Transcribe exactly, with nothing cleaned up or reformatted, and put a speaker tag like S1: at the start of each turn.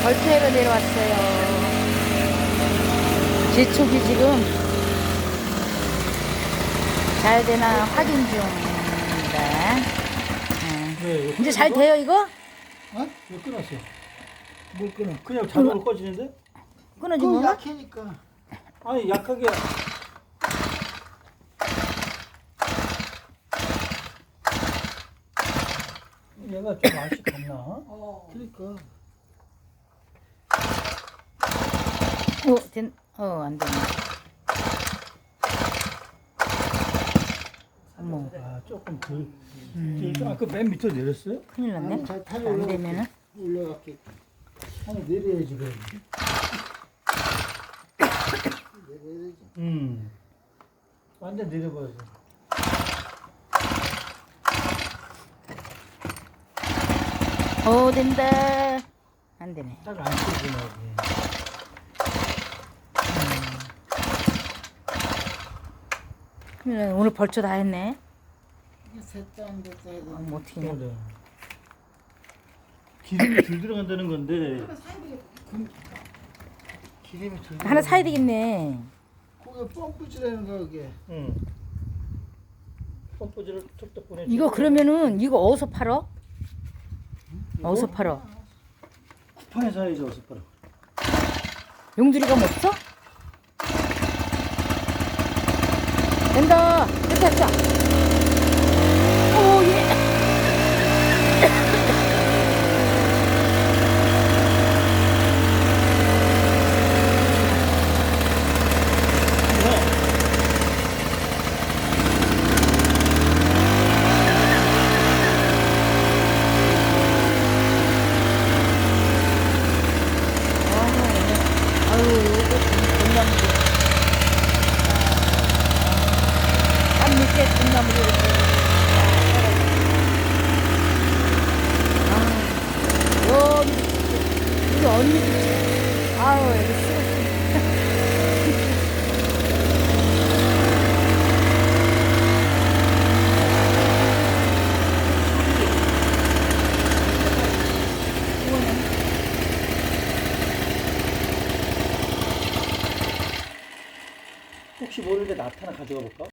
S1: 벌초에로 내려왔어요. 제촉이 지금 잘 되나 확인 중입니다. 응.
S2: 왜, 이거
S1: 이제 잘
S2: 끊어?
S1: 돼요 이거?
S2: 어? 왜 끊었어?
S3: 뭘 끊어?
S2: 그냥 자동으로 꺼지는데?
S1: 끊어진
S3: 그
S1: 건가?
S3: 약해니까.
S2: 아니 약하게 얘가 좀 맛이 갔나?
S3: 어. 그러니까.
S1: 어, 된, 어, 안 되네. 어머,
S2: 아 조금 덜.
S1: 음.
S2: 아까 맨 밑으로 내렸어요?
S1: 큰일 났네.
S3: 아니, 잘 타려
S1: 안 되면은.
S3: 올라갈게. 아니 내려야지 그럼. 내려야지.
S2: 음. 완전 내려버려서.
S1: 어, 된다. 안 되네.
S2: 딱 안 켜지네.
S1: 큰일 났네. 오늘 벌초 다 했네.
S3: 이게 셋도 안 됐다 해도.
S1: 어, 뭐 어떻게 해.
S2: 그래. 기름이 덜 들어간다는 건데
S3: 기름이 들.
S1: 하나 사야 되겠네.
S3: 그게 펌프질하는 거 그게.
S2: 응. 펌프질을 툭툭 보내.
S1: 이거 그러면은 이거 어디서 팔어? 어디서 팔어?
S2: 쿠팡에 사야지 어서 팔아.
S1: 용두리가 뭐 없어? 된다. 됐다, 됐다. 오, 예. 아유, 이거 공나무들. 한 밑에 공나무들 이렇게. 아, 여기, 우리 언니들. 아우, 여기 쓰고
S2: 혹시 모르는데 나타나 가져가 볼까?